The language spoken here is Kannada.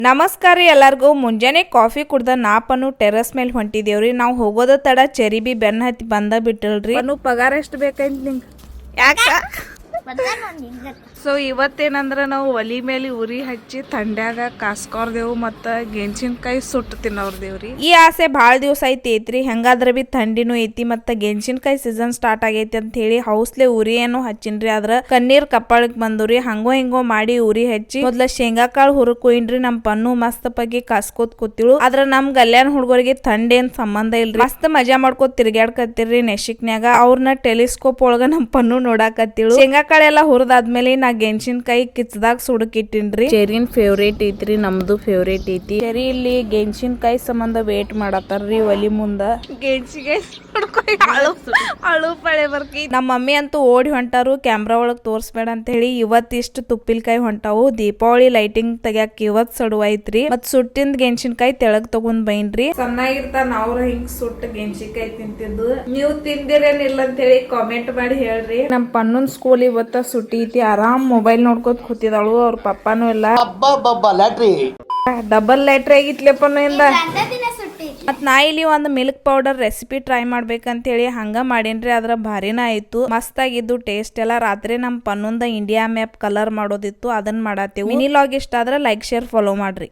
ನಮಸ್ಕಾರ ರೀ ಎಲ್ಲರಿಗೂ. ಮುಂಜಾನೆ ಕಾಫಿ ಕುಡ್ದ ನಾಪನು ಟೆರಸ್ ಮೇಲೆ ಹೊಂಟಿದೇವ್ರಿ. ನಾವು ಹೋಗೋದ ತಡ ಚೆರಿಬಿ ಬೆನ್ನ ಹತ್ತಿ ಬಂದ ಬಿಟ್ಟಲ್ರಿ. ಪಗಾರ ಎಷ್ಟು ಬೇಕಂತ ನಿಂಗೆ? ಯಾಕ? ಸೊ ಇವತ್ತೇನಂದ್ರ ನಾವು ಒಲಿ ಮೇಲೆ ಉರಿ ಹಚ್ಚಿ ಥಂಡ್ಯಾಗ ಕಾಸ್ಕೊರ್ದೇವು ಮತ್ತ ಗೆಣಸಿನಕಾಯಿ ಸುಟ್ಟು ತಿನ್ನೋರ್ದೇವ್ರಿ. ಈ ಆಸೆ ಭಾಳ ದಿವಸ ಐತಿ. ಹೆಂಗಾದ್ರ ಬಿ ಥಂಡಿನೂ ಐತಿ ಮತ್ತ ಗೆಣಸಿನಕಾಯಿ ಸೀಸನ್ ಸ್ಟಾರ್ಟ್ ಆಗೈತಿ ಅಂತ ಹೇಳಿ ಹೌಸ್ಲೆ ಉರಿ ಏನು ಹಚ್ಚಿನ್ರಿ. ಆದ್ರ ಕಣ್ಣೀರ್ ಕಪ್ಪಾಳಕ್ ಬಂದ್ರಿ. ಹಂಗೋ ಹಿಂಗೋ ಮಾಡಿ ಉರಿ ಹಚ್ಚಿ ಮೊದ್ಲ ಶೇಂಗಾ ಕಾಳು ಹುರ್ಕೊಯ್ನ್ರಿ. ನಮ್ ಪನ್ನು ಮಸ್ತ್ ಪಗಿ ಕಾಸ್ಕೋತ್ ಕೂತಿಳು. ಆದ್ರ ನಮ್ ಗಲ್ಯಾನ್ ಹುಡುಗರಿಗೆ ಥಂಡ್ ಏನ್ ಸಂಬಂಧ ಇಲ್ರಿ. ಮಸ್ತ್ ಮಜಾ ಮಾಡ್ಕೋತ ತಿರ್ಗಾಡ್ಕತ್ತಿರ್ರಿ ನೆಶಿಕ್ನ್ಯಾಗ. ಅವ್ರನ್ನ ಟೆಲಿಸ್ಕೋಪ್ ಒಳಗ ನಮ್ ಪನ್ನು ನೋಡಾಕತ್ತಿಳು. ಶೇಂಗಾ ಕಾಳೆಲ್ಲ ಹುರಿದಾದ್ಮೇಲೆ ನಾ ಗೆಣಸಿನಕಾಯಿ ಕಿಚ್ಚದಾಗ ಸುಡಕಿಟ್ಟಿನ್ರಿ. ಚೆರಿನ್ ಫೇವ್ರೇಟ್ ಐತ್ರಿ, ನಮ್ದು ಫೇವ್ರೇಟ್ ಐತಿ. ಚೆರಿ ಇಲ್ಲಿ ಗೆಣಸಿನಕಾಯಿ ಸಂಬಂಧ ವೇಟ್ ಮಾಡತ್ತಾರ್ರಿ ಒಲಿ ಮುಂದ. ಅಳು ಪಳೆ ಬರ್ಕಿ. ನಮ್ಮ ಮಮ್ಮಿ ಅಂತೂ ಓಡಿ ಹೊಂಟಾರು ಕ್ಯಾಮ್ರಾ ಒಳಗ್ ತೋರ್ಸ್ಬೇಡ ಅಂತ ಹೇಳಿ. ಇವತ್ತಿಷ್ಟು ತುಪ್ಪಿಲ್ಕಾಯಿ ಹೊಂಟಾವು. ದೀಪಾವಳಿ ಲೈಟಿಂಗ್ ತೆಗ್ಯಾಕ ಇವತ್ ಸಡುವ ಐತ್ರಿ. ಮತ್ ಸುಟ್ಟಿಂದ ಗೆಣಸಿನಕಾಯಿ ತೆಳಗ್ ತಗೊಂಡ್ ಬೈನ್ರಿ. ಚೆನ್ನಾಗಿರ್ತಾನ ಅವ್ರ ಹಿಂಗ್ ಸುಟ್ಟ ಗೆಣಸಿನಕಾಯಿ ತಿಂತಿದ್ದು. ನೀವು ತಿಂದಿರೇನಿಲ್ಲ ಅಂತ ಹೇಳಿ ಕಾಮೆಂಟ್ ಮಾಡಿ ಹೇಳ್ರಿ. ನಮ್ ಪನ್ನನ್ ಸ್ಕೂಲ್ ಇವತ್ತ ಸುಟ್ಟಿ ಐತಿ. ಆರಾಮ್ ಮೊಬೈಲ್ ನೋಡ್ಕೋತ ಕೂತಿದಾಳು. ಅವ್ರ ಪಪ್ಪಾನು ಇಲ್ಲ. ಡಬಲ್ ಲ್ಯಾಟ್ರಿ ಆಗಿತ್ಲೆಪ್ಪನು ಇಂದ. ಮತ್ ನಾ ಇಲ್ಲಿ ಒಂದ್ ಮಿಲ್ಕ್ ಪೌಡರ್ ರೆಸಿಪಿ ಟ್ರೈ ಮಾಡ್ಬೇಕಂತ ಹೇಳಿ ಹಂಗ ಮಾಡೇನ್ರಿ. ಅದ್ರ ಭಾರಿನ ಆಯ್ತು, ಮಸ್ತ್ ಆಗಿದ್ದು ಟೇಸ್ಟ್ ಎಲ್ಲ. ರಾತ್ರಿ ನಮ್ ಪನ್ನೊಂದ ಇಂಡಿಯಾ ಮ್ಯಾಪ್ ಕಲರ್ ಮಾಡೋದಿತ್ತು, ಅದನ್ನ ಮಾಡತ್ತೇವು. ಮಿನಿ ಲಾಗ್ ಇಷ್ಟ ಆದ್ರ ಲೈಕ್ ಶೇರ್ ಫಾಲೋ ಮಾಡ್ರಿ.